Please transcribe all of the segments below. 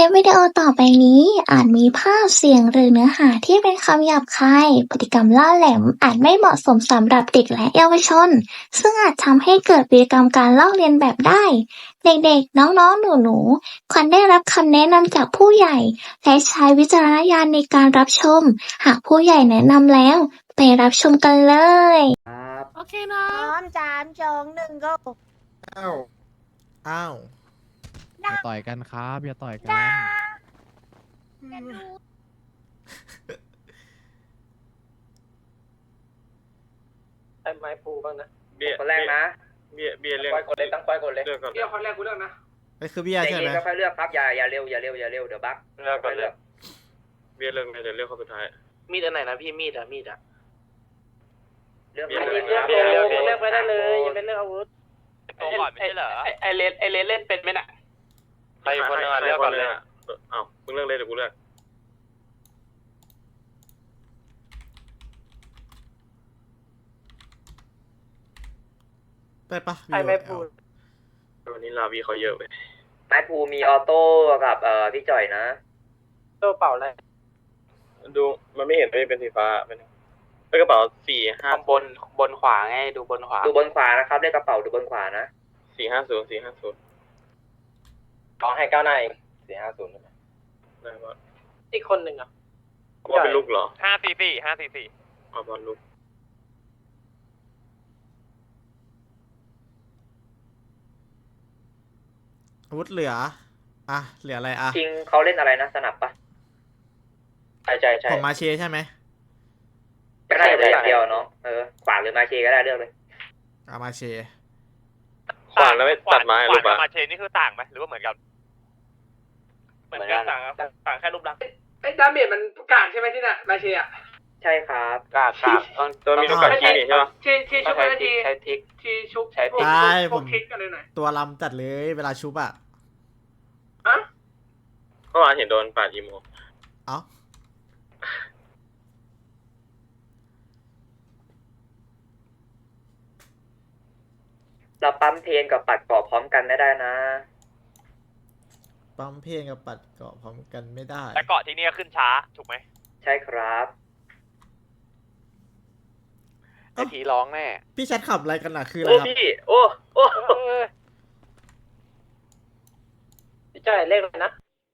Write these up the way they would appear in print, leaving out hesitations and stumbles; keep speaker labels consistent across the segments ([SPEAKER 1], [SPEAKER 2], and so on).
[SPEAKER 1] ลิปวิดีโอต่อไปนี้อาจมีภาพเสียงหรือเนื้อหาที่เป็นคำหยาบคายพฤติกรรมล่าแหลมอาจไม่เหมาะสมสำหรับเด็กและเยาวชนซึ่งอาจทำให้เกิดพฤติกรรมการลอกเลียนแบบได้เด็กๆน้องๆหนูๆควรได้รับคำแนะนำจากผู้ใหญ่และใช้วิจารณญาณในการรับชมหากผู้ใหญ่แนะนำแล้วไปรับชมกันเลย
[SPEAKER 2] ครับ
[SPEAKER 3] โอเคนะ
[SPEAKER 4] พร้อม3 2 1 go
[SPEAKER 2] อ้าวอ้าว
[SPEAKER 3] อย่าต่อยกันครับอย่าต่อยกัน
[SPEAKER 5] ไอ้ไม้ปูบ้างนะ
[SPEAKER 6] เบียร์
[SPEAKER 5] คนแรกนะ
[SPEAKER 6] เบียร์เรื่อง
[SPEAKER 5] ตั้งไฟกดเลยตั้งไฟกดเลย
[SPEAKER 6] เลือกก่อน
[SPEAKER 5] เลือกคนแรกกูเลือกนะ
[SPEAKER 2] นี่คือเบียร์
[SPEAKER 5] ใจ
[SPEAKER 2] ใช่ไห
[SPEAKER 5] เย็
[SPEAKER 2] ม
[SPEAKER 5] นค่อยๆเลือกครับอย่าเร็วเดี๋ยวบั๊ก
[SPEAKER 6] เลือกก่อนเลยเบียร์เรื่องไหนจะเลือกคนสุดท้าย
[SPEAKER 5] มีดอันไหนนะพี่มีดอะเลือก
[SPEAKER 6] เลือก
[SPEAKER 5] เลือก
[SPEAKER 6] เลือก
[SPEAKER 5] เลือกไปได้เลยอย่าเป็นเลือกอาวุธ
[SPEAKER 6] ตัวก่อนไม่ใช่เหรอ
[SPEAKER 5] ไอเลนเล่นเป็นไหมน่ะ
[SPEAKER 6] ใครคนนึงเลือกก่อนเลยอ้าวมึงเลือกเลยเดี๋ยวกูเลือก
[SPEAKER 2] ได้ปะ
[SPEAKER 5] ไอไม้ปู
[SPEAKER 6] วันนี้ลาวีเขาเยอะไป
[SPEAKER 5] ไม้ปูมีออโต้กับพี่จ่อยนะโต้เป่าอะไร
[SPEAKER 6] ดูมันไม่เห็นไม่เป็นสีฟ้าเป็นกระเป๋า450
[SPEAKER 5] บนขวาไงดูบนขวานะครับเลขกระเป๋าดูบนขวานะ
[SPEAKER 6] 450
[SPEAKER 5] ลองให้ก้าวหน้าเอง450ใช่ไหม
[SPEAKER 6] ได้ปะ
[SPEAKER 5] อีกคนหนึ่งอ่ะ
[SPEAKER 6] ว่าเป็นลูกเหรอ
[SPEAKER 7] 544
[SPEAKER 6] อ๋อบอลลูก
[SPEAKER 2] อาวุธเหลืออ่ะเหลืออะไรอ่ะ
[SPEAKER 5] จริงเขาเล่นอะไรนะสนับปะใช่
[SPEAKER 2] ผมมาเชใช่ไหม
[SPEAKER 5] ก็ได้เลยอย่างเดียวเนาะขวาหรือมาเชก็ได้เลือกเลย
[SPEAKER 2] เอามาเช
[SPEAKER 6] ขวานแล้วไม่ตัดไม้
[SPEAKER 7] ข
[SPEAKER 6] ลู
[SPEAKER 7] วาน
[SPEAKER 6] ก
[SPEAKER 7] กับ
[SPEAKER 6] ปะ
[SPEAKER 7] มาเชนนี่คือต่างไหมหรือว่าเหมือนกันต่างแค่รูปลักษณ์
[SPEAKER 8] ไอ้ดาเมจมันกากใช่ไหมที่น่ะมาเชียร์
[SPEAKER 5] ใช่ครับกาด
[SPEAKER 6] ตัวมีลูกกากี้นี่ใช่ปะ
[SPEAKER 8] ทีชุบกันที
[SPEAKER 5] ใช้ทิก
[SPEAKER 8] ทีชุบ
[SPEAKER 5] ใช้ติ๊ก
[SPEAKER 8] พวกคิดกันเลยหน่อย
[SPEAKER 2] ตัวลำจัดเลยเวลาชุบอ่ะ
[SPEAKER 8] อะ
[SPEAKER 6] เมื่อวานเห็นโดนปาดอีโม
[SPEAKER 2] เอ้า
[SPEAKER 5] เราปั๊มเพนกับปัดเกาะพร้อมกันไม่ได้นะ
[SPEAKER 2] ปั๊มเพลงกับปัดเกาะพร้อมกันไม่ได้
[SPEAKER 7] แต่เกาะที่นี่ก็ขึ้นช้าถูกไหม
[SPEAKER 5] ใช่ครับ
[SPEAKER 7] ไอผีร้องแน่
[SPEAKER 2] พี่แชทขับอะไรกันอ่ะคืออะไร
[SPEAKER 5] โอ้
[SPEAKER 2] ครับ
[SPEAKER 5] พี่โอ้พี่จ่ายเลขเลยนะ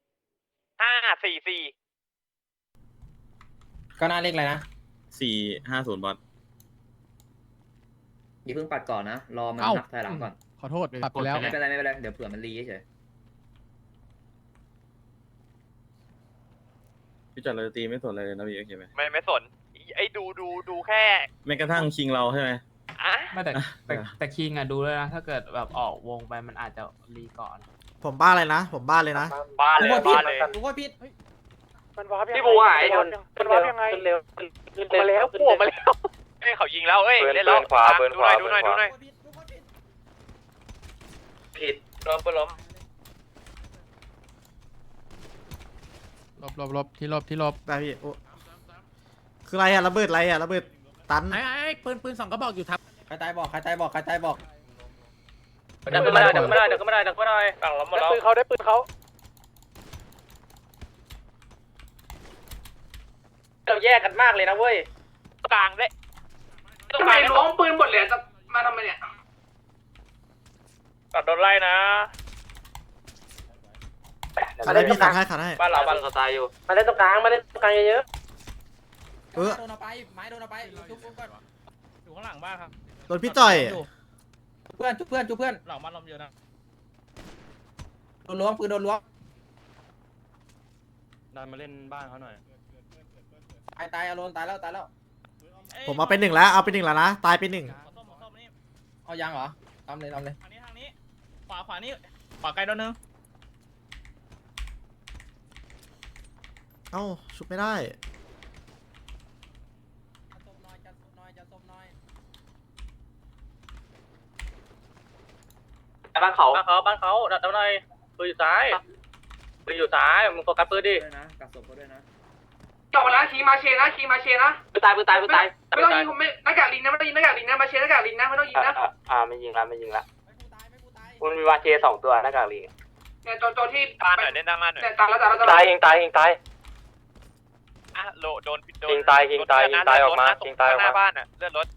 [SPEAKER 7] 544
[SPEAKER 5] ก็น่าเลขอะไรนะ
[SPEAKER 6] 450บอล
[SPEAKER 5] อย่าเพิ่งปัดก่อนนะรอมันนับถอยหลังก่อน
[SPEAKER 3] ขอโทษปรับไปแล้ว
[SPEAKER 5] ไม่เป็นไรเดี๋ยวเผื่อมันรีเฉย
[SPEAKER 6] พี่จัดเลยตีไม่สนอะไรเลยนะพี่โอเคไหม
[SPEAKER 7] ไม่สนไอ้ดูแค่
[SPEAKER 6] แม้กระทั่งชิงเราใช่ไหม
[SPEAKER 7] อ่ะ
[SPEAKER 9] ไม่แต่คิงอะดูเลยนะ ถ้าเกิดแบบออกวงไปมันอาจจะรีก่อน
[SPEAKER 2] ผมบ้าเลยนะผมบ้าเลยนะ
[SPEAKER 7] บ้าเลย
[SPEAKER 5] กูว่าผิด
[SPEAKER 7] พี่บูหายมันวาร์ปยังไง
[SPEAKER 5] ขึ้นเร็ว
[SPEAKER 7] มาแล้วพวกมาแล้วเอ้ยเขายิงแล้วเอ้ยเล่นแล้วดูหน่อย
[SPEAKER 5] ผิดล้ม
[SPEAKER 3] ลบที่ลบ
[SPEAKER 2] ได้พี่โอ้คืออะไรอ่ะระเบิดอะไรอ่ะระเบิดตัน
[SPEAKER 9] ไอ้ปืน2 กระบอกอยู่ทับ
[SPEAKER 5] ใครตายบอก
[SPEAKER 7] ดักไม่ได้ฝั่งล้มหมดแล้วได้ปืนเขาเราแยกกันมากเลยนะเว้ยกลางได้
[SPEAKER 8] ทำไมล้วงปืนหมดเลยจะมาทำไมเนี่ย
[SPEAKER 7] ตัดโดนไล่นะ
[SPEAKER 2] อะไรพี่ขัดให้
[SPEAKER 7] บ้านเรา
[SPEAKER 5] บ้านสไตล์อยู่มาเล่นตรงกลางเยอะ
[SPEAKER 2] เออ
[SPEAKER 5] โดนเอาไปไม้โดนเอาไปจุ๊บก่อน
[SPEAKER 7] อยู่ข้างหลังบ้านครับ
[SPEAKER 2] โดนพี่จ่อย
[SPEAKER 5] เพื่อน
[SPEAKER 7] หลังบ้านลมเยอะนะ
[SPEAKER 5] โดนล้วงปืนโดนล้วง
[SPEAKER 7] ดันมาเล่นบ้านเขาหน่อย
[SPEAKER 5] ตายเอาโดนตายแล้ว
[SPEAKER 2] ผมเอาไป1แล้วเอาไป1แล้วนะตายไป1
[SPEAKER 7] ส้มนี่
[SPEAKER 5] เอายังเหรอทำเลย
[SPEAKER 7] ทางนี้ขวานี่ขวาไกลโดนนึง
[SPEAKER 2] เอ้าชุบไม่ได้
[SPEAKER 5] จะส้มน้อยบ้านเขาดัดเอาหน่อยปืนอยู่ซ้ายมึงโฟกัสปืนดินะกัดศพเขาด้วยนะ
[SPEAKER 8] จบแล้วขี่มาเชียร์นะ
[SPEAKER 5] ปืนตาย
[SPEAKER 8] ไม่ต้องยิงผมไม่หน้ากากลิงนะไม่ต้องยิงหน้ากากลิงนะมาเชียร์หน้ากากลิงนะไม่ต้องยิงนะ
[SPEAKER 5] ไม่ยิงละมันมีวาเช2 ตัวหน้ากากลิง
[SPEAKER 8] เนี่ยตัวที่
[SPEAKER 7] ตาหน่อยเล่นด้านล่างหน่อย
[SPEAKER 8] เนี่ยตายแล้ว
[SPEAKER 6] ตายยิงตายยิงตาย
[SPEAKER 7] อ่ะโดน
[SPEAKER 6] ยิงตายยิงตายยิงตายออกมายิงตายออกมา
[SPEAKER 7] หน้าบ้านอ่ะเลื่อนรถ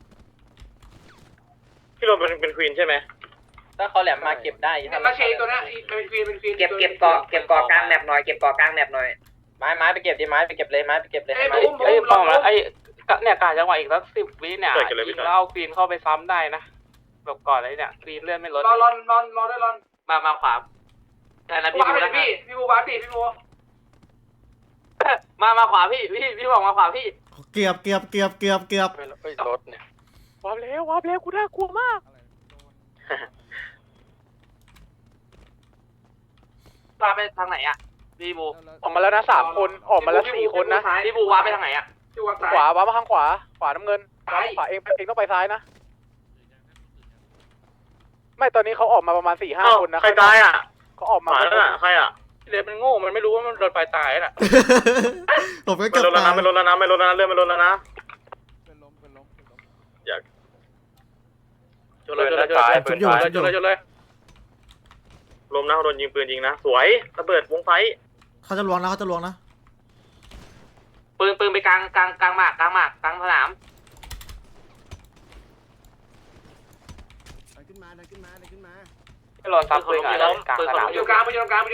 [SPEAKER 6] พี่โรนเป็นควีนใช่ไหม
[SPEAKER 5] ถ้าเขาแหลมมาเก็บได้
[SPEAKER 8] เนี่ยมาเชยตัวเนี้ยเป็นควีน
[SPEAKER 5] เก็บเกาะกลางแมปหน่อยเก็บเกาะกลางแมปหน่อยไม้ไปเก็บดิไม้ไปเก็บเลยไม้ไปเก็บเลย
[SPEAKER 8] ไอ้
[SPEAKER 5] ไม้
[SPEAKER 8] บูม
[SPEAKER 9] เอ้ยป้องแล้วไอ้เนี่ยกาจังหวะอีกสัก10 วิเนี่ยยิงแล้วเอาควีนเข้าไปซ้ำได้นะแบบก่อนเลยเนี่ยควีนเลื่อนไม่ลด
[SPEAKER 8] รอได้รอน
[SPEAKER 9] มาขวาแต่นะพี่
[SPEAKER 8] วา
[SPEAKER 9] ดู
[SPEAKER 8] ร์ป
[SPEAKER 9] นะ
[SPEAKER 8] พี่บูวาร์ปพี่บู
[SPEAKER 9] มาขวาพี่บอกมาขวาพี่
[SPEAKER 2] เกือบ
[SPEAKER 6] รถเนี่ยว
[SPEAKER 7] าบแล้วกูน่ากลัวมาก
[SPEAKER 9] วาไปทางไหนอ่ะพี่บู
[SPEAKER 7] ออกมาแล้วนะ3 คนออกมาแล้ว4 คนนะ
[SPEAKER 9] พี่บูวาไปทางไหนอ่ะ
[SPEAKER 8] พี่วาร์ปซ้าย
[SPEAKER 7] ขวาวามาข้างขวาน้ำเงิน
[SPEAKER 8] ซ้าย
[SPEAKER 7] ขวาเองต้องไปซ้ายนะ ไม่ตอนนี้เขาออกมาประมาณ 4-5 คนนะ
[SPEAKER 6] ใครตายอ่ะ
[SPEAKER 7] เขาออกมา
[SPEAKER 6] หมาแล้วน่ะใครอ่ะ
[SPEAKER 5] เลนมันโง่มันไม่รู้ว่ามันโดนไฟตายน่ะ
[SPEAKER 2] ผมก็
[SPEAKER 6] ไม่
[SPEAKER 2] เกือบ
[SPEAKER 6] ลดแล้ว
[SPEAKER 2] ตา
[SPEAKER 6] นะ
[SPEAKER 2] ย
[SPEAKER 6] ไม่ลดแล้วนะไม่ลดแล้วนะเรื่องไม่ลดแล้วนะอยาก
[SPEAKER 5] ชนเลย
[SPEAKER 6] ลมนะโดนยิงปืนยิงนะสวยระเบิดวงไฟ
[SPEAKER 2] เขาจะลวงนะ
[SPEAKER 9] ปืนไปกลางหมากกลางสนาม
[SPEAKER 7] รอซับปืนกันกลางสนาม
[SPEAKER 8] อยู่กลางไปอยู่กลาง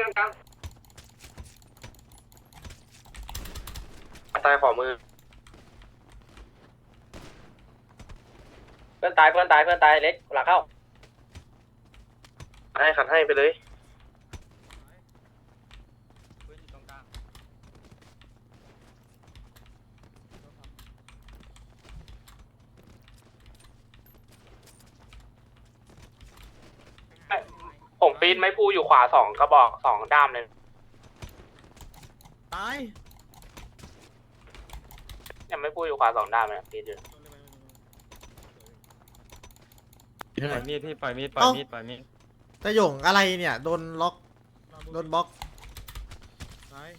[SPEAKER 6] ตายขอมือ
[SPEAKER 5] เพื่อนตายเล็กหลังเข้า
[SPEAKER 6] ให้ขัดให้ไปเลย
[SPEAKER 9] ผมปีนไม้พูอยู่ขวา2 กระบอก2 ด้ามเลย
[SPEAKER 2] ตาย
[SPEAKER 9] เนี่ยไม้พูอยู่ขวา2 ด้ามเลยปีนอยู่
[SPEAKER 6] ปล่อยมีดพี่ปล่อยมีด
[SPEAKER 2] แต่หยงอะไรเนี่ยโดนล็อกโดนบล็อกตาย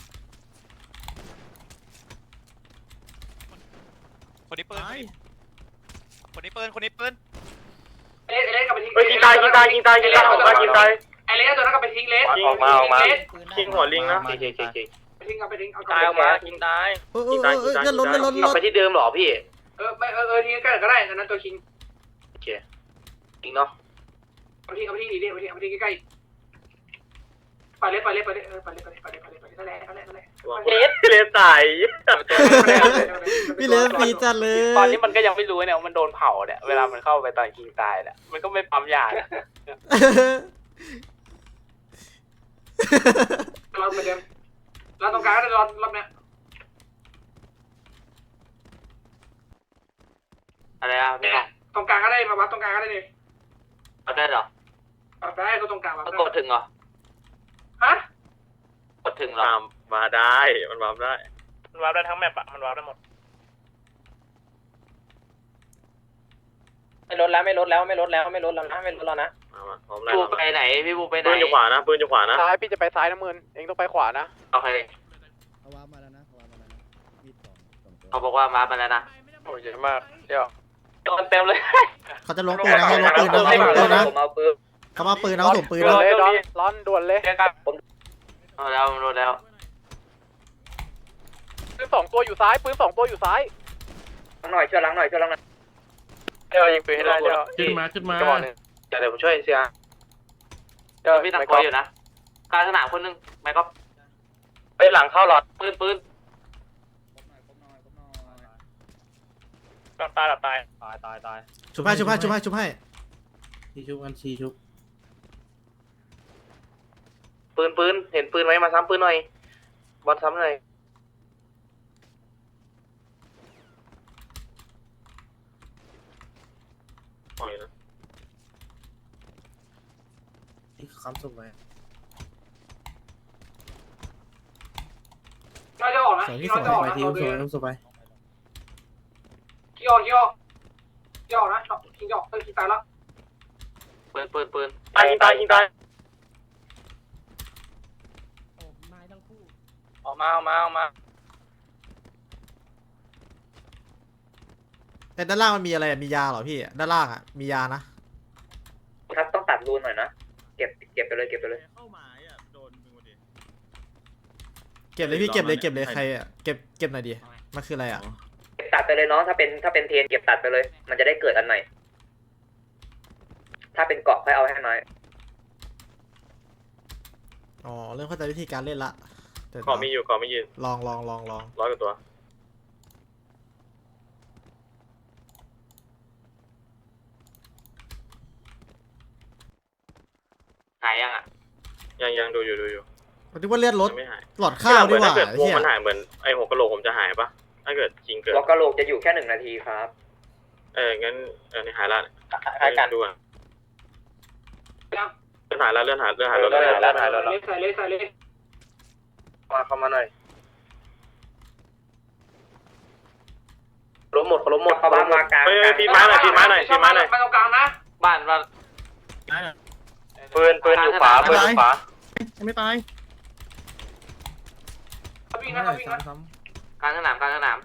[SPEAKER 7] คนนี้ปืน
[SPEAKER 2] ตาย
[SPEAKER 7] คนนี้ปืน
[SPEAKER 8] เล็กกลับไปทิ้ง
[SPEAKER 6] เฮ้ยยิงตายออกมายิงตาย
[SPEAKER 8] ไอ้เล็กตัวนั้นกลับไปทิ้งเลส
[SPEAKER 6] ออกมายิงหัวลิงนะ
[SPEAKER 8] ไปทิ้งเอา
[SPEAKER 5] ตายออกมายิงตาย
[SPEAKER 2] เลื่อนรถ
[SPEAKER 6] ไปที่เดิมหรอพี่
[SPEAKER 8] ทิ้งก็ได้นั้นตัวคิง
[SPEAKER 6] โอเคยิงเนาะ
[SPEAKER 8] เอาทิ้งดีดิเอาทิ้งใกล้ไปเลยนั่นแหละ
[SPEAKER 6] เลสตาย
[SPEAKER 2] พี่เลนปีจัดเลย
[SPEAKER 9] ตอนนี้มันก็ยังไม่รู้เนี่ยว่ามันโดนเผาเนี่ยเวลามันเข้าไปตอนคิงตายเนี่ยมันก็ไม่ปั๊มยาเนี่ย
[SPEAKER 8] เราเหมือนเดิมเราตรงกลางก็ได้รอบเนี้ย
[SPEAKER 9] อะไรอ่ะพี่บอก
[SPEAKER 8] ตรงกลางก็ได้มาวัดตรงกลางก็ได้เลย
[SPEAKER 9] เอาได้เหรอ
[SPEAKER 8] ได้ก็ตรงกลางวัด
[SPEAKER 9] มันกดถึงเหรอ
[SPEAKER 8] ฮะ
[SPEAKER 9] กดถึงเหรอ
[SPEAKER 6] มาได้มันวาร์ปได้
[SPEAKER 5] มันวาร์ปได้ทั้งแมปอะมันวาร์ปได้หมดไม่ลดแล้วนะ
[SPEAKER 6] มาพร้อมได้
[SPEAKER 9] บูไปไหนพี่บูไปไหน
[SPEAKER 6] ปืนอยู่ขวานะ
[SPEAKER 7] ซ้ายพี่จะไปซ้ายน้ำเงินเองต้องไปขวานะ
[SPEAKER 9] โอเคเขาบอกว่ามาไปแล้วนะ
[SPEAKER 6] โอ้ยเยอะมากเดี๋ยว
[SPEAKER 9] โดนเต็มเลย
[SPEAKER 2] เขาจะล้วงปืนนะเขาล้วงปืนนะเขาล้วงปืนนะ
[SPEAKER 5] ผมเอาปืน
[SPEAKER 2] เขามาปืนนะเขาส่งปืน
[SPEAKER 7] ด่วน
[SPEAKER 2] นะ
[SPEAKER 7] เลยร้อนด่วนเลย
[SPEAKER 9] เจอกันโดนแล้ว
[SPEAKER 7] ปืน2 ตัวอยู่ซ้ายปืน2 ตัวอยู่ซ้าย
[SPEAKER 5] หน่อยช่วยล้างหน่อย
[SPEAKER 6] เดี๋ยวยิงปืนให้ได้เดี๋ยวขึ้นมากระบอกนึงเดี๋ยวผมช่วยเสีย
[SPEAKER 9] เดี๋ยวพี่ตักคอยอยู่นะกลางสนามคนนึงไม่ก็
[SPEAKER 6] ไปหลังเข้าหลอด
[SPEAKER 9] ปืน
[SPEAKER 5] ตาย
[SPEAKER 2] ชุบให้
[SPEAKER 6] ปืนเห็นปืนไหมมาซ้ำปืนหน่อยบอลซ้ำหน่อยปล่อยนะค้ำศพไว้
[SPEAKER 8] เราจะออกนะ
[SPEAKER 2] สวยที่
[SPEAKER 8] เรา
[SPEAKER 2] สวย
[SPEAKER 8] จะออก
[SPEAKER 2] ไป
[SPEAKER 8] นะ
[SPEAKER 2] ทีมสวยน้ำสบาย
[SPEAKER 8] ขี้ออกนะทิ้งออกทิ้งตายแล้ว
[SPEAKER 9] ปืน
[SPEAKER 6] ตายยิงตาย
[SPEAKER 5] ออกมา
[SPEAKER 2] แต่ด้านล่างมันมีอะไรมียาเหรอพี่ด้านล่างอ่ะมียานะครับ
[SPEAKER 5] ต้องตัดรูนหน่อยนะเก็บไปเลย
[SPEAKER 2] เก็บเลยพี่เก็บเลยใครอ่ะเก็บหน่อยดิมันคืออะไรอ่ะ
[SPEAKER 5] เก็บตัดไปเลยน้องถ้าเป็นเทรนเก็บตัดไปเลย มันจะได้เกิดอันใหม่ ถ้าเป็นเกาะค่อยเอาให้น้อย
[SPEAKER 2] อ๋อเริ่มเข้าใจวิธีการเล่นละแต่
[SPEAKER 6] ขอมีอยู่ขอมีอยู่
[SPEAKER 2] ลอง
[SPEAKER 6] 100 กว่าตัว
[SPEAKER 9] หายยังอ่ะ
[SPEAKER 6] ยังดูอยู่
[SPEAKER 2] มันคิดว่าเลือดลด
[SPEAKER 6] ยังไม่หาย
[SPEAKER 2] หลอดข้าวดีกว่า
[SPEAKER 6] ถ้าเกิดวง
[SPEAKER 2] เฮีย
[SPEAKER 6] มันหายเหมือนไอ้หัวกะโหลกผมจะหายปะถ้าเกิดจริงเกิด
[SPEAKER 5] หัวกะโหลกจะอยู่แค่1 นาทีครับ
[SPEAKER 6] งั้นนี่หายละ
[SPEAKER 9] หายกัน
[SPEAKER 6] ดูอ่ะ
[SPEAKER 8] ยัง
[SPEAKER 6] เลื่อนหายแล้ว
[SPEAKER 8] ใส่เลย
[SPEAKER 6] มาเข้ามาหน่อย
[SPEAKER 5] ล้มหมดเข้าบ้านมากลาง
[SPEAKER 6] เฮ้ยพี่ม้าหน่อย
[SPEAKER 8] มาตรงกลางนะ
[SPEAKER 9] บ้าน
[SPEAKER 7] ปืนอยู่ขวาปืนอยู่ขวา
[SPEAKER 3] ไม่ตาย
[SPEAKER 8] เขาวิ่งนะ
[SPEAKER 9] กลางสนามกลางสนาม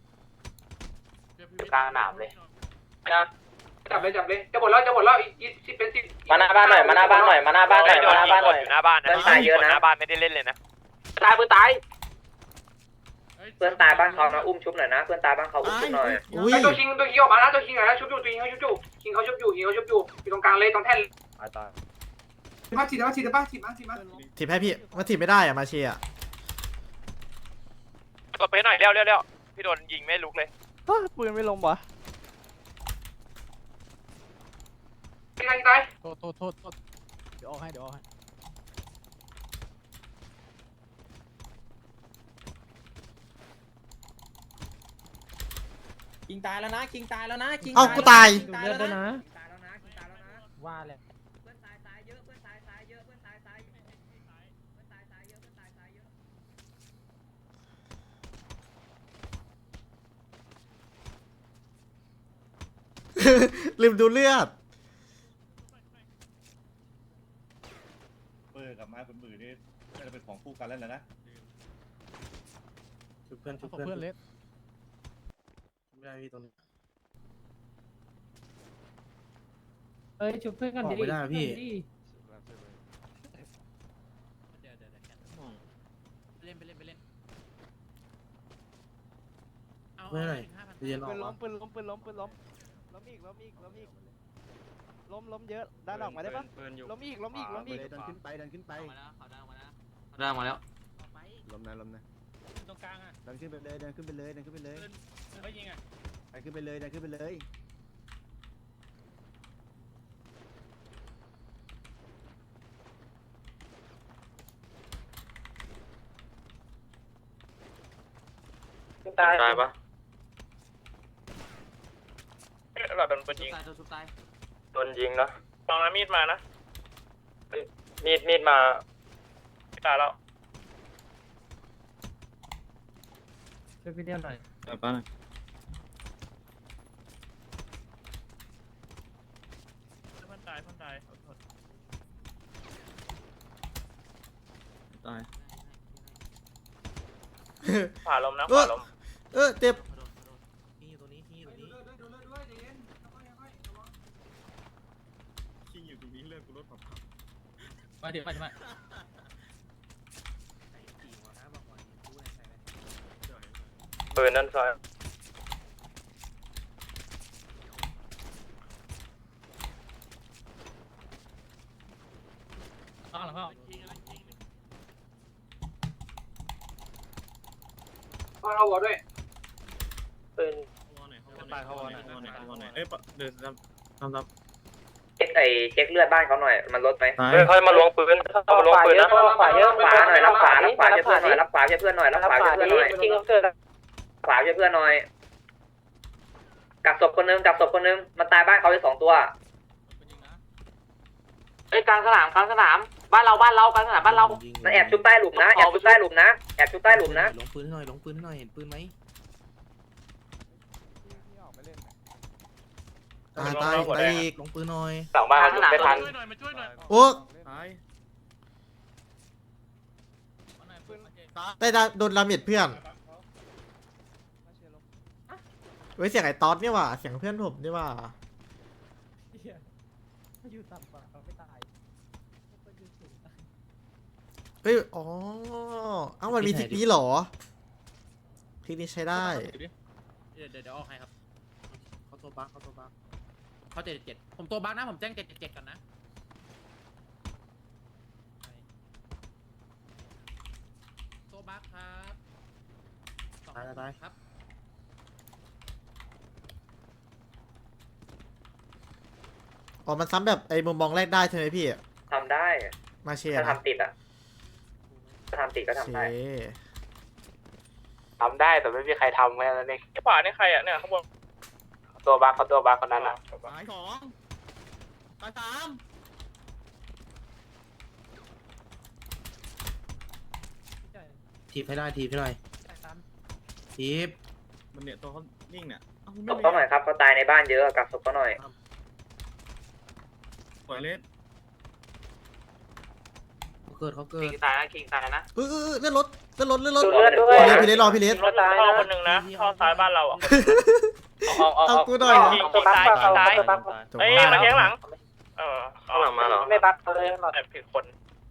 [SPEAKER 9] เลย
[SPEAKER 8] จับเลยจะหมดแล้วอีก10 เป็น 10
[SPEAKER 5] มาหน้าบ้านหน่อยมาหน้าบ้านหน่อย
[SPEAKER 7] โดนยิงกดอยู่หน้าบ้านนะ
[SPEAKER 5] เพื่อนตายเยอะนะ
[SPEAKER 7] หน้าบ้านไม่ได้เล่นเลยนะ
[SPEAKER 9] ตายปืนตาย
[SPEAKER 5] เพื่อนตายบ้านเขานะอุ้มชุบหน่อยนะเพื่อนตายบ้านเขาอุ้มชุบหน่อย
[SPEAKER 2] อุ้ย
[SPEAKER 8] ตัวคิงออกมานะตัวคิงหน่อยนะชุบอยู่ตัวคิงเขาชุบอยู่คิงเขาชุบอยู่ตรงกลางเลยตรงแท่น
[SPEAKER 6] ตาย
[SPEAKER 8] ฉีดมา
[SPEAKER 2] ถีบให้พี่มันถีบไม่ได้อ่ะมาเชียร์
[SPEAKER 7] กดไปหน่อยเร็วพี่โดนยิงไม่ลุกเลย
[SPEAKER 3] ปืนไม่ลงวะ
[SPEAKER 8] ตาย
[SPEAKER 3] โทษเดี๋ยวออกให้
[SPEAKER 10] คิงตายแล้วนะคิงตายแล้วนะคิง
[SPEAKER 2] เอ้ากูตาย
[SPEAKER 3] ดูเลือดด้วยนะ
[SPEAKER 10] ว่าเลย
[SPEAKER 2] ลืมดูเลือด
[SPEAKER 6] ปืนกับไม้ปืนนี่น่าจะเป็นของคู่กันแล้วนะชุบเพื่อน
[SPEAKER 3] เพื่อนเล็ก
[SPEAKER 6] ไม่ได้พี่ตรงนี้
[SPEAKER 10] เอ้ยชุบเพื่อนกันดิ
[SPEAKER 6] ไม่ได้พี่
[SPEAKER 3] เล่นไปเล่น
[SPEAKER 6] ไม่ได้เย็นออก
[SPEAKER 3] ปืนล้มอีกล้มเยอะด้านออกมาได้ปะล้มอีก
[SPEAKER 6] เดินขึ้นไป
[SPEAKER 9] มาแล้ว
[SPEAKER 6] ล้มนะ
[SPEAKER 10] ตรงกลางอ่ะ
[SPEAKER 6] เดินขึ้นไปเลย
[SPEAKER 10] เฮ้ยยิงอ่ะ
[SPEAKER 6] เดินขึ้นไปเลย ตายปะเราโดนปืนยิง โดนยิงนะลองนะมีดมานะ มีดมาตายแล้ว
[SPEAKER 10] ช่วยพี่เดียวหน่อย
[SPEAKER 6] ป้าหน่อยตายขวาลมนะขวาลม
[SPEAKER 2] เจ็บ
[SPEAKER 10] มาเดี๋ยวมา
[SPEAKER 6] ปืนนั่นซ้าย
[SPEAKER 10] ข้างหลังเข้า
[SPEAKER 8] เอาหัวด้วย
[SPEAKER 5] ปืน
[SPEAKER 6] ตายเขาวอหน่อยเอ้ยเดินทำ
[SPEAKER 5] เช็คเลือดบ้านเขาหน่อยมันลดไหม
[SPEAKER 7] ค่อยมาล้วงปืนมาล้วงปืนนะ
[SPEAKER 5] รับขวาหน่อยรับขวาช่วยเพื่อนหน่อยรับขวาช่วยเพื่อนหน่อยจริงเกิดขวาช่วยเพื่อนหน่อยกักศพคนนึงมันตายบ้านเขาไป2 ตัว
[SPEAKER 9] เอ้ยกลางสนามบ้านเรากลางสนามบ้านเรา
[SPEAKER 5] มันแอบชุบใต้หลุมนะแอบชุบใต้หลุมนะ
[SPEAKER 10] ลงปืนหน่อยเห็นปืนไหม
[SPEAKER 2] ตายอีก
[SPEAKER 10] ลงปืนหน่อย
[SPEAKER 7] หลังบ้านเขาไม่ทัน
[SPEAKER 2] โอ้ได้โดนดาเมจเพื่อนเว้ยเสียงไอ้ต๊อดนี่ว่ะเสียงเพื่อนผมนี่ว่ะ
[SPEAKER 10] อยู่ต่ำกว่าเขาไม่ตาย
[SPEAKER 2] เอ้ยอ๋อเอ้ามันมีทริกนี้เหรอทริกนี้ใช้ได้
[SPEAKER 10] เดี๋ยวออกให้ครับเขาตัวบั๊กเขา777ผมตัวบั๊กนะผมแจ้ง777กันนะตัวบั๊กครับตายครับ
[SPEAKER 2] อ๋อมันซ้ำแบบไอ้มุมมองแรกได้ใช่ไหมพี่
[SPEAKER 5] ทำได้
[SPEAKER 2] มาเชียร์
[SPEAKER 5] ถ้า
[SPEAKER 2] นะ
[SPEAKER 5] ทำติดอ่ะถ้าทำติดก็
[SPEAKER 2] โอ
[SPEAKER 5] ทำ
[SPEAKER 2] เค
[SPEAKER 5] ได้
[SPEAKER 9] ทำได้แต่ไม่มีใครทำแค่นั้นเอง
[SPEAKER 6] ไอ้ขวานี่ใครอ่ะเนี่ยข้างบน
[SPEAKER 9] ตัวบั๊กเขาตัวบั๊กคนนั้นอ่ะ
[SPEAKER 10] ตาย2ตาย3ทีบให้ได้ทีบให้หน่อยทีบมันเนี่ยตัวเขานิ่งเนี่ย
[SPEAKER 5] ศพเขาหน่อยครับเขาตายในบ้านเยอะกักศพเขาหน่อย
[SPEAKER 10] ปล่อยเล่นเขาเกิด
[SPEAKER 9] คิงตายนะคิงตายนะ
[SPEAKER 2] เลื่อนรถเลื่อนรถ
[SPEAKER 5] ดูเลือดด้วย
[SPEAKER 2] พี่เลสรอพี่เลส
[SPEAKER 6] รถเข้าคนหนึ่งนะเข้าซ้ายบ้านเราอ่ะ
[SPEAKER 2] เอากูหน่อย
[SPEAKER 6] ตัวบั๊กซ้าย
[SPEAKER 2] จบ
[SPEAKER 6] เฮ้ยมาแทงหลังข้างหลังมาเหรอ
[SPEAKER 9] ไม่บั๊กเลยหรอก
[SPEAKER 6] แต่ผิดคน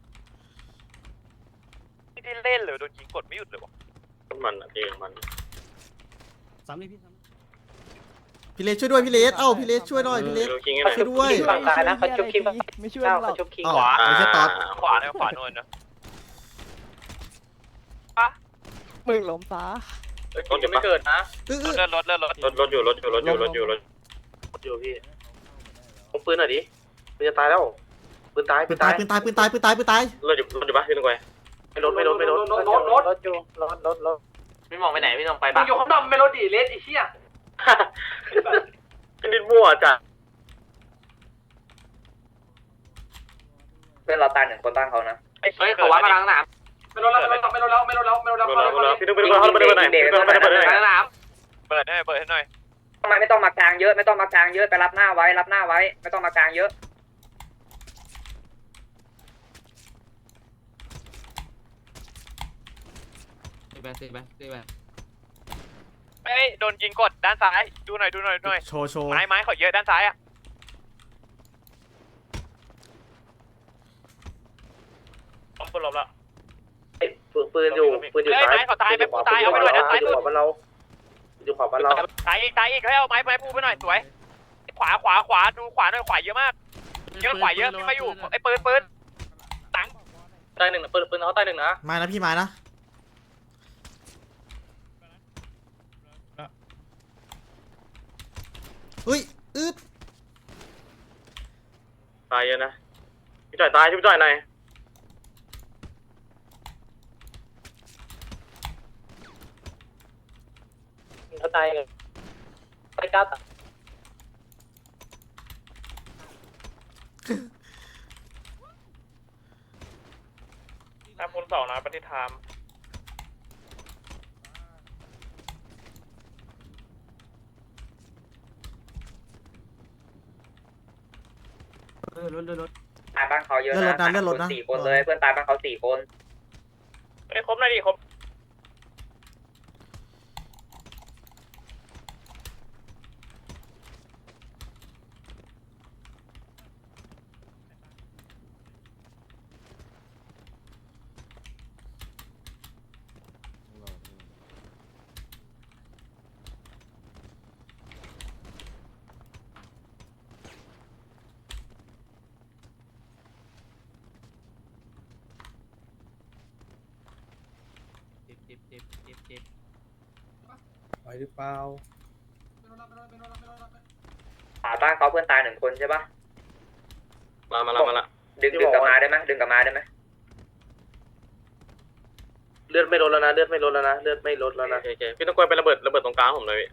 [SPEAKER 6] ไม่ได้เล่นเลยโดนยิงกดไม่หยุดเลยวะมันอ่ะเองมัน
[SPEAKER 10] 3เลยพี่
[SPEAKER 2] พี่เลสช่วยด้วยพี่เลสเอ้าพี่เลสช่วยหน่อยพี่เลสช่วยด้วย
[SPEAKER 9] ฝั่งซ้ายนะเขาชุบคิง
[SPEAKER 3] ไม่ช่วยหร
[SPEAKER 9] เขา
[SPEAKER 3] อก
[SPEAKER 9] ชุบคิง
[SPEAKER 2] อ้าว
[SPEAKER 6] ขวา
[SPEAKER 2] ไม่ใช่ต๊อด
[SPEAKER 6] ขวาเนี่ยขวาโน่นนะ
[SPEAKER 3] มึงล้มซะ
[SPEAKER 6] รถยังไม่เกิดนะ
[SPEAKER 2] เออ
[SPEAKER 6] รถอยู่พี่ผมปืนหน่อยดิปืนจะตายแล้วปืนตาย
[SPEAKER 2] ปืนตายปืนตายปืนตายปืนตายปืนตาย
[SPEAKER 6] รถอยู่ปะพี่นึกไว้ไม่รถ
[SPEAKER 9] รถอยู่รถไม่มองไปไหนไม่มองไป
[SPEAKER 8] มึ
[SPEAKER 9] บั๊
[SPEAKER 8] ง
[SPEAKER 9] ก
[SPEAKER 8] อยู่ข้างนอกเมโลดี้เลสไอ้เชี่ย
[SPEAKER 6] พี่นิดมั่วจ้ะ
[SPEAKER 5] เพื่อนเราตายหนึ่งคนบ้านเขานะ
[SPEAKER 6] ไอ้
[SPEAKER 9] เฮ้ยเขาวัดมาทางน้
[SPEAKER 8] ไม่รู้แล้ว
[SPEAKER 6] พี่นึกไปดูเขาไปดูไหนพี่นึกไปดู
[SPEAKER 9] ำ
[SPEAKER 6] ไหน
[SPEAKER 9] ทางน้
[SPEAKER 6] เปิดให้หน่อย
[SPEAKER 5] ทำไมไม่ต้องมากลางเยอะไม่ต้องมากลางเยอะไปรับหน้าไว้ไม่ต้องมากลางเยอะ
[SPEAKER 6] เฮ้ยโดนยิงกดด้านซ้ายดูหน่อย
[SPEAKER 2] โชว์
[SPEAKER 6] ไม้เขาเยอะด้านซ้ายอ่ะปืนลบแล้ว
[SPEAKER 9] ปืนอยู่ซ้าย
[SPEAKER 6] ไม้เขาตายไปตายเอาไปหน่อยด้านซ้ายสุด
[SPEAKER 9] บ้านเราอยู่ขวาบ้านเรา
[SPEAKER 6] ตายอีกให้เอาไม้พูไปหน่อยสวยขวาดูขวาหน่อยขวาเยอะมากเยอะขวาเยอะพี่มาอยู่ไอ้ปืนตังตายหนึ่งปืนเขาตายหนึ่งนะ
[SPEAKER 2] มานะพี่มานะเฮ้ยด
[SPEAKER 6] ตายเยอะนะพี่จ่อยตายพี่จ่อยหน่อย
[SPEAKER 9] เขาตายเลยไปก้าว
[SPEAKER 6] ถ้าคูณ2นะปฏิธรรม
[SPEAKER 5] ตายบ้านเขาเยอะนะ4 คนเลยเพื่อนตายบ้านเขา4 คน
[SPEAKER 6] เฮ้ยครบหน่อยดิครบ
[SPEAKER 10] ไหวหรือเปล่า
[SPEAKER 5] บ้านเขาเพื่อนตาย1 คนใช่ปะ
[SPEAKER 6] มาละ
[SPEAKER 5] ดึงกลับมาได้ไหมดึงกลับมาได้ไหม
[SPEAKER 9] เลือดไม่ลดแล้วนะเลือดไม่ลดแล้วนะ
[SPEAKER 6] โอเคพี่ต้องกลัวไประเบิดตรงกลางผมเลย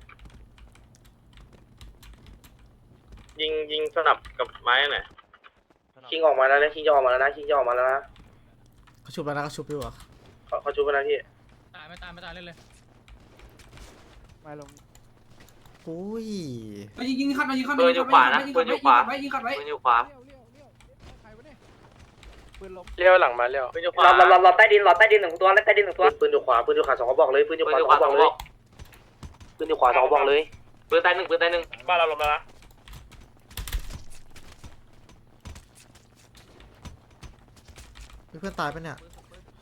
[SPEAKER 6] ยิงสนับกับไม้หน่อย
[SPEAKER 9] คิงออกมาแล้วนะคิงจะออกมาแล้วนะ
[SPEAKER 2] เขาชุบแล้วนะเขาชุบอยู่อ่ะ
[SPEAKER 9] เขาชุบไปแล้วพี่
[SPEAKER 10] ไม่ตายเล่นเลย
[SPEAKER 3] ไม่ลง
[SPEAKER 2] อุ้ย
[SPEAKER 8] ยิงขัดมายิงขัด
[SPEAKER 9] ปืนอยู่ขวานะปืนอยู่ขวา
[SPEAKER 8] ยิงขัดไว้
[SPEAKER 9] ปืนอยู่ขวา
[SPEAKER 3] ใครวะเนี่ยปืนล้ม
[SPEAKER 6] เลี้ยวหลังมาเลี้ยวพี่จะขวา
[SPEAKER 5] หลอดใต้ดิน1 ตัวแล้วใต้ดิน1 ตัว
[SPEAKER 9] ปืนอยู่ขวา2กระบอกเลยปืนอยู่ขวา2กระบอกเลยปืนอยู่ขวา2กระบอกเลยปืนตาย1
[SPEAKER 6] บ้านเราลงแล้วนะ
[SPEAKER 2] เพื่อนตายปะเนี่ย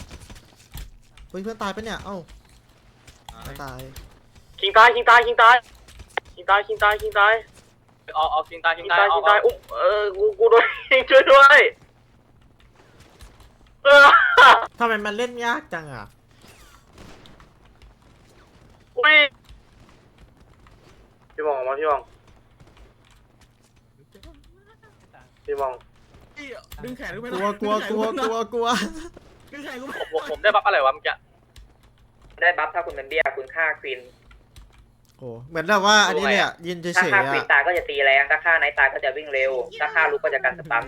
[SPEAKER 2] เฮ้ยเพื่อนตายปะเนี่ยเอ้าไม่ตาย
[SPEAKER 7] คิงตายคิงตายคิงตายคิงตายคิงตายคิงตายเอาคิงตายคิงตายคิงตายอุ้มกูโดนยิงช่วยด้วย
[SPEAKER 2] ทำไมมันเล่นยากจังอ่ะ
[SPEAKER 7] อุ้ยพี่มองออกมาพี่มองพี่มอง
[SPEAKER 10] ดึงแขนกูไป
[SPEAKER 2] กลัวกลัวกลัวกลัวกลัว
[SPEAKER 10] ดึงแขนกูไป
[SPEAKER 7] ผมได้บัฟอะไรวะเมื่อกี้
[SPEAKER 5] ได้บัฟถ้าคุณเป็นเบี้ยคุณฆ่าควีน
[SPEAKER 2] โอ้เหมือนแบบว่าอันนี้เลยอ่ะยืนเฉ
[SPEAKER 5] ถ้ายฆ่าควีน
[SPEAKER 2] ๆ
[SPEAKER 5] ตา
[SPEAKER 2] อ่ะ
[SPEAKER 5] ยก็จะตีแรงถ้าฆ่าไนท์ตายก็จะวิ่งเร็ว ถ้าฆ่าลูกก็จะกันสตัน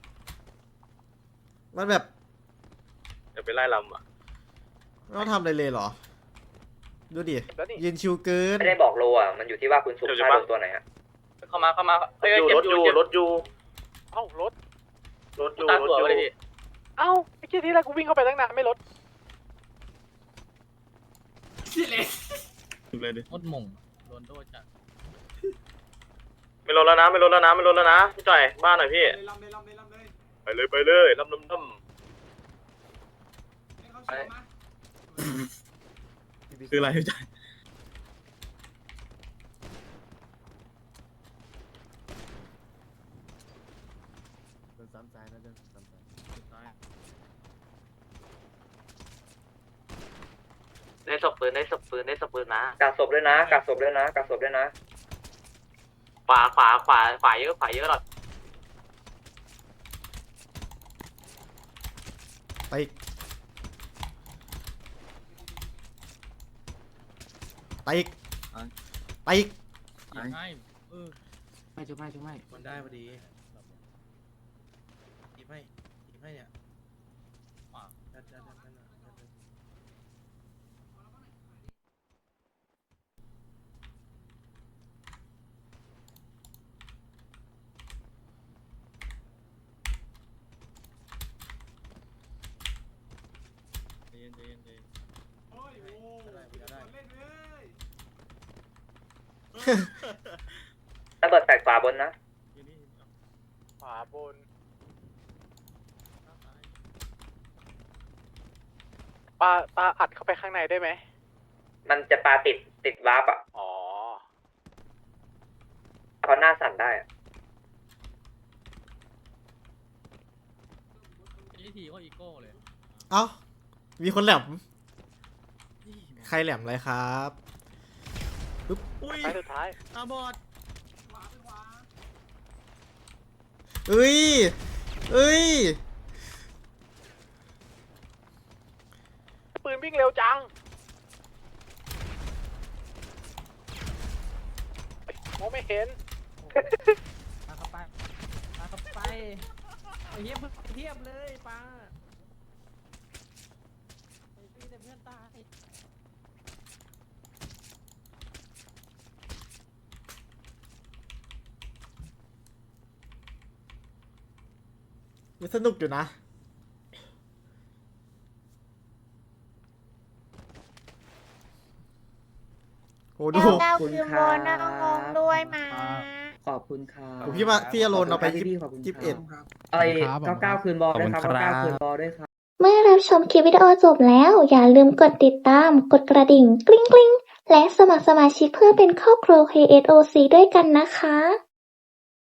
[SPEAKER 2] มันแบบ
[SPEAKER 7] เดี๋ยวไปไล่ลำอ่ะ
[SPEAKER 2] ไม่ต้องทำอะไรเลยเหรอดูดิยืนชิวเกิน
[SPEAKER 5] ไม่ได้บอกโลอ่ะมันอยู่ที่ว่าคุณสุกฆ่าโดนตัวไหนฮะ
[SPEAKER 7] เข้ามาอยู่รถอยู่รถอยู่
[SPEAKER 6] เอ้ารถ
[SPEAKER 7] รถอยู่รถอยู่
[SPEAKER 6] เอ้าไอ้เหี้ยที่แรกกูวิ่งเข้าไปตั้งนานไม่รถ
[SPEAKER 10] มดมงโดนโดนจัด
[SPEAKER 7] ไม่ลดแล้วนะไม่ลดแล้วนะไม่ลดแล้วนะพี่จ่อยบ้านหน่อยพี่ไปเลยไปเลยลำ
[SPEAKER 10] คืออะไรพี่จ่าย
[SPEAKER 9] ได้ศพปืนได้ศพปืนได้ศพปืนนะ
[SPEAKER 5] กัดศพด้วยนะกัดศพด้วยนะกัดศพด้วยนะ
[SPEAKER 9] ขวาเยอะหรอ
[SPEAKER 2] ไปอีกไปอีกไปอีก
[SPEAKER 10] ไม่มันได้พอดีทีไม่เนี่ย
[SPEAKER 5] ระเบิดแตกขวาบนนะ
[SPEAKER 6] ขวาบนปลาอัดเข้าไปข้างในได้ไหม
[SPEAKER 5] มันจะปาติดวาร์ปอ่ะ
[SPEAKER 6] อ๋อ
[SPEAKER 5] เขาหน้าสั่นได้อะ
[SPEAKER 10] ทีก็อีโก้เลย
[SPEAKER 2] เอ้ามีคนแหลมใครแหลมอะไรครับปึ๊บ
[SPEAKER 10] อุ้ย
[SPEAKER 6] ไปสุดท้าย
[SPEAKER 10] อาบอด
[SPEAKER 2] เอ้ยเอ้ย
[SPEAKER 6] ปืนวิ่งเร็วจังมองไม่เห็น
[SPEAKER 10] ปาเข้าไปไอ้เหี้ยมึงเทียบเลยปาไอ้พี่แต่เพื่อนตาย
[SPEAKER 2] มันสนุกอยู่นะโหดู
[SPEAKER 4] เก้าคืนบนนะงงด้วยมา
[SPEAKER 11] ขอบคุณค่ะ
[SPEAKER 2] โหพี่อโรนเอาไป
[SPEAKER 11] ขอบคุณ
[SPEAKER 2] 21
[SPEAKER 11] เอ้ย99คืนบอลด้วยครับ99คืนบอลด้วยครับ
[SPEAKER 1] เมื่อรับชมคลิปวิดีโอจบแล้ว อย่าลืมกดติดตาม กดกระดิ่งกริ๊งกริ๊งและสมัครสมาชิกเพื่อเป็นครอบครัว KSOC ด้วยกันนะคะ